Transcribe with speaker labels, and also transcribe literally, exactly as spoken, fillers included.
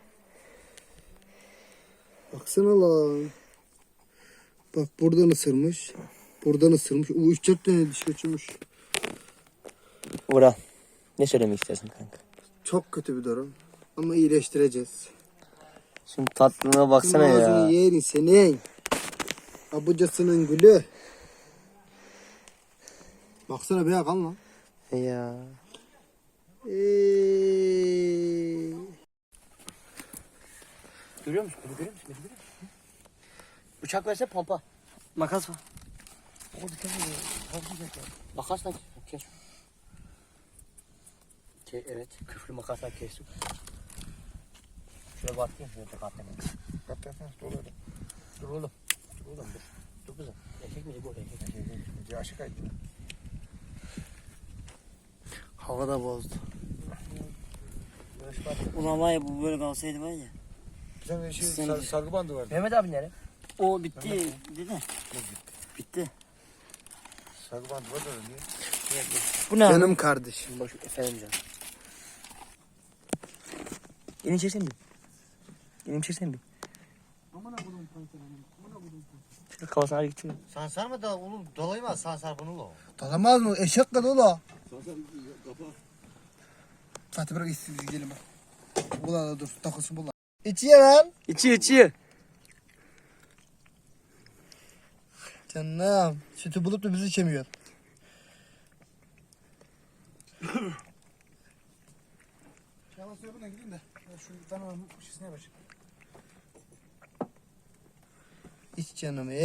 Speaker 1: Baksana lan. Bak buradan ısırmış. Buradan ısırmış. O üç dört tane diş kaçırmış.
Speaker 2: Vural. Ne söylemek istersin kanka?
Speaker 1: Çok kötü bir durum. Ama iyileştireceğiz.
Speaker 2: Şimdi tatlına baksana
Speaker 1: Senin
Speaker 2: ya.
Speaker 1: ağzını yerin senin. Abucasının gülü. Baksana be kan lan.
Speaker 2: Ya.
Speaker 1: Eee.
Speaker 2: Görüyor musun? Beni görüyor musun? Beni görüyor musun? Bıçak verse pompa. Makas var. O bir kere makasla kes. Ke evet, küflü makasla kestim. Şöyle bakayım, şöyle tek atlayayım.
Speaker 3: Kat yap, dur öyle.
Speaker 2: Dur oğlum. Dur oğlum dur. Dur kızım. Erkek mi bu? Erkek.
Speaker 3: Ece aşık aydı.
Speaker 1: Hava da bozdu.
Speaker 4: Ulan var ya bu böyle kalsaydı var ya.
Speaker 3: Bizim şey,
Speaker 4: Sen-
Speaker 3: sar, sargı bandı vardı.
Speaker 2: Mehmet abi nere?
Speaker 4: O bitti dedi. Bitti.
Speaker 3: Sargı bandı vardı öyle niye?
Speaker 4: Bu ne?
Speaker 1: Canım kardeşim.
Speaker 2: Boş efendim canım. Elini çeksen bir. Elini çeksen bir. Şöyle kafasına ağrı geçiyor.
Speaker 5: Sansar mı da oğlum dolayma sansar bunu lo.
Speaker 1: Dalamaz mı? Eşek kadar ola. Fatih bırak istiyor gidelim bak. Bula dur takılsın bula. İçiyor lan.
Speaker 2: İçiyor içiyor.
Speaker 1: Canım. Sütü bulup da bizi içemiyor. Yalan söyle buna gidin de. Şu tanımın şişine başlayayım. İç canım.